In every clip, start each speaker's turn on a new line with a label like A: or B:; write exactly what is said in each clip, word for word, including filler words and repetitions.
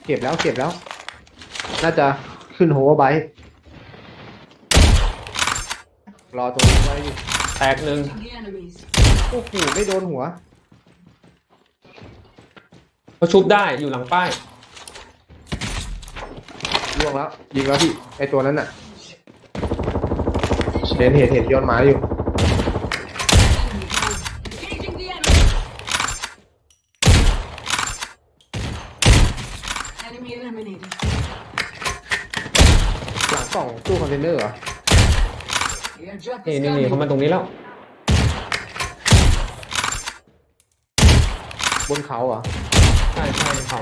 A: เก็บแล้วเก็บแล้ว น่าจะขึ้นโฮเวอร์ไบค์รอตรงนี้ไว้อยู่
B: แตกหนึ่ง
A: โอ้โหไม่โดนหัว
B: เขาชุบได้อยู่หลังป้าย
A: ล่วงแล้วยิงแล้วพี่ไอตัวนั้นน่ะเห็นเห็นเห็นย้อนหมาอยู่หลังกล่องตู้คอนเทนเนอร์เหรอ
B: นี่นี่นี่เขามาตรงนี้แล้ว
A: บนเขาเหรอ
B: ใช่ใช่เขา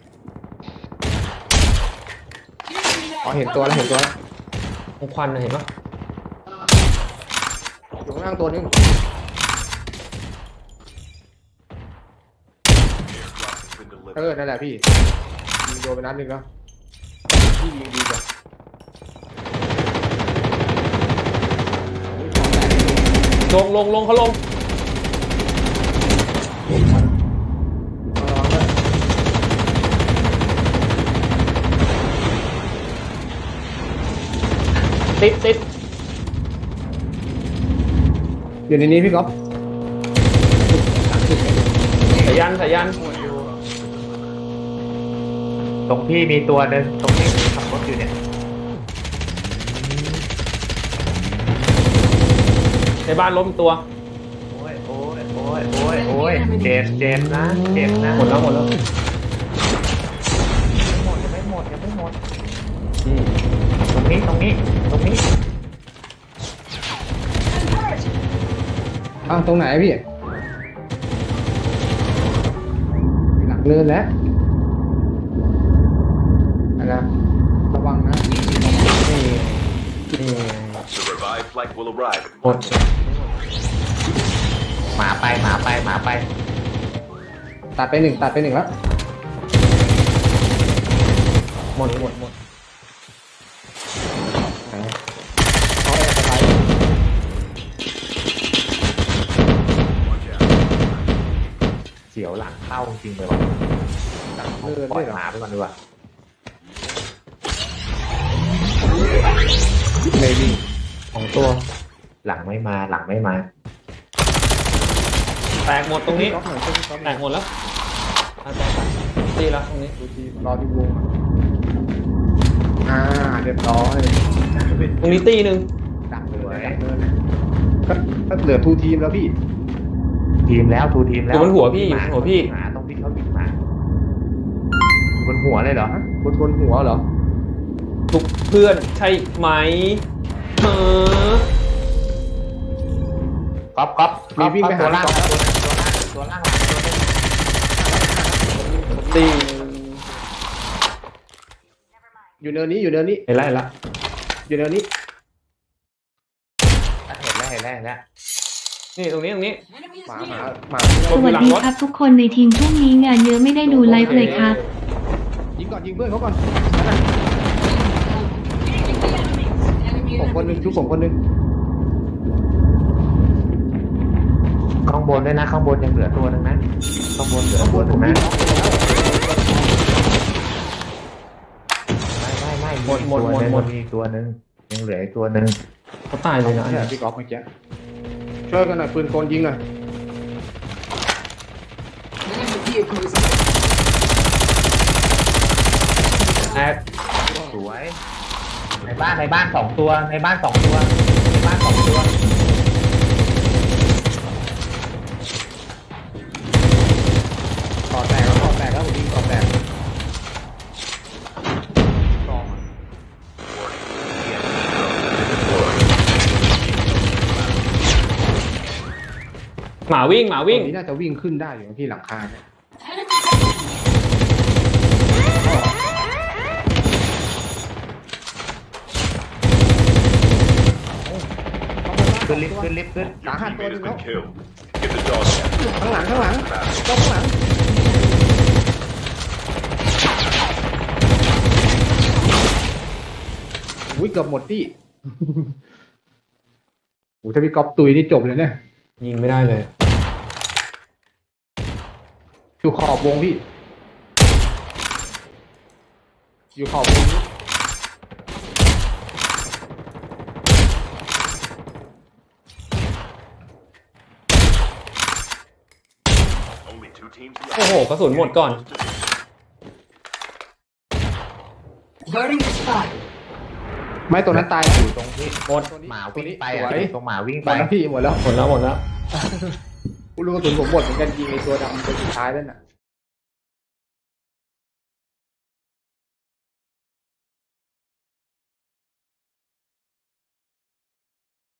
A: อ๋อเห็นตัวแล้วเห็นตัวแล้ว
B: ตรงควันน่ะเห็นปะ
A: อยู่ข้างล่างตัวนึงเออนั่นแหละพี่ยิงโดนไปนัดหนึงแล้วพี่ยิงดีกว่า
B: ลงลงลงเขาลง
A: ระวังด้วย
B: ติดติด
A: อยู่ในนี้พี่ก๊อฟ
B: สายันสายัน
C: ตรงพี่มีตัวหนึ่งตรงที่ขับรถอยู่เนี่ย
B: ในบ้านล้มอีกตัว
C: โอ้ยโอ้ยโอ้ยโอ้ยโอ้ยเจ็บเจ็บนะเจ็บนะ
B: หมดแล้วหมดแล้ว
C: ไม่หมดยังไม่หมดยังไม่หมด
B: อืม
C: ตรงนี้ตรงนี้ตรงนี้
A: อ้าวตรงไหนพี่หลังเลินแล้วนะระวังนะ
B: นี่นี่
D: The revived flight will arrive.
B: หมด
C: หมาไปหมาไปหมาไป
A: ตัดไปหนึ่งตัดไปหนึ่งแล้ว
B: หมดหมดหมด
A: เขาแอบสบาย
C: เสียวหลังเข้าจริงเลยว่ะ
A: เลิน
C: ปล่
A: ด้
C: อ
A: วย ยเหรอ
C: หมาไปก่อนดีกว่า
A: ไม่วิ่ง
B: ของตัว
C: หลังไม่มาหลังไม่มา
B: แตกหมดตรงนี้
A: ก๊อฟหน่อยช่วยพี่ก๊อฟห
B: แต
A: น่อย
B: กหมดแล้วอ่ะแตกไปตีแล้วตรงนี้
A: ดูทีรอที่วงอ่าเรียบร้อย
B: ตรงนี้ตีหนึ่ง
A: ดักเลยดักเลยก็ก็เหลือทูทีมแล้วพี่
C: ทีมแล้วทูทีม
B: อ
C: แล้ว
B: ยู่บนหัวพี่อยู่
C: ห
B: บนหัวพี่
C: หมาตรงที่เขายิงหมาอยู่บนหัวเลยเหรอ
A: บนบนหัวเหรอ
B: ทุกเพื่อนใช่ไหมเออ
C: ก๊อฟก๊อฟ
A: มีวิ่งไปหา
C: ตัวล่าง
A: ก๊อฟ
C: ตัวล่างตัวล่างตัวล่างตัวนึง
B: ตี
A: อยู่เนินนี้อยู่เนินนี้
B: เห็นแล้วเห็นแล้ว
A: อยู่เนินนี้
C: เห็นแล้วเห็นแล้วเห็นแล้ว
B: นี่ตรงนี้ตรงนี้
A: หมาหมาหมา
B: ค
E: ส
B: นอยู่
E: วัส
B: หลัง
E: ดี
B: รถ
E: ครับทุกคนในทีมช่วงนี้งานเยอะไม่ได้ดูไลฟ์เลยครับ
A: ยิงก่อนยิงเพื่อนเขาก่อนผมคนหนึงชุบผมคนหนึง
C: ข้างบนด้วยนะข้างบนยังเหลือตัวหนึงนะข้างบนเหลือตัวหนึงนะไม่ไม่ไม่
B: หมดหมดหมดหมด
C: มีอีกตัวหนึงยังเหลืออีกตัวหนึง
B: เขาตายเลยนะ
A: ใช่พี่ก๊อฟเมื่อกี้ช่วยกันหน่อยปืนกลยิงหน่อย
B: แอด
C: สวยในบ้านในบ้านสองตัวในบ้านสองตัวในบ้านสองตัว
A: ต่อแตกแล้วต่อแตกแล้วผมยิงต่อแตก
B: หมาวิ่งหมา
A: วิ่
B: วิ่
A: ง
B: ง
A: นี้น่าจะวิ่งขึ้นได้อยู่ที่หลังคาเนี่ย
C: ขึ้นลิฟต์ขึ้นลิฟต์ขึ้น
A: สาหัสตัวหนึ
D: Teammate
A: งแล้ว
D: has been killed. Get the dog tag.
A: ข้างหลังข้างหลังก็ข้างหลังอุ้ยเกือบหมดที่ โอ้ถ้าพี่ก๊อฟตุยนี่จบเลยเนี่ย
B: ยิงไม่ได้เลย
A: อยู่ขอบวงพี่อยู่ขอบมุมนี้
D: Only two teams
B: โอ้โห
D: left.
B: กระสุนหมดก่อน
F: Burning spot.
A: ไม่ตัวนั้นตายแล้ว
C: อยู่ตรงที่
B: หมด
A: ตัวนี้
C: หมา
A: ตัว
C: วิ่ง
A: นี้
C: ไป
A: ส
C: อ่ะ
A: วย
C: ตรงหมาวิ่ง
A: หม
C: ไป
A: ดแล้วพี่หมดแล้ว
B: หมดแล้วหมดแล้ว
A: ลูกกระสุนผมหมดเหมือนกันยิงไอ้ตัวดำตัวสุดท้ายนั่นน่ะ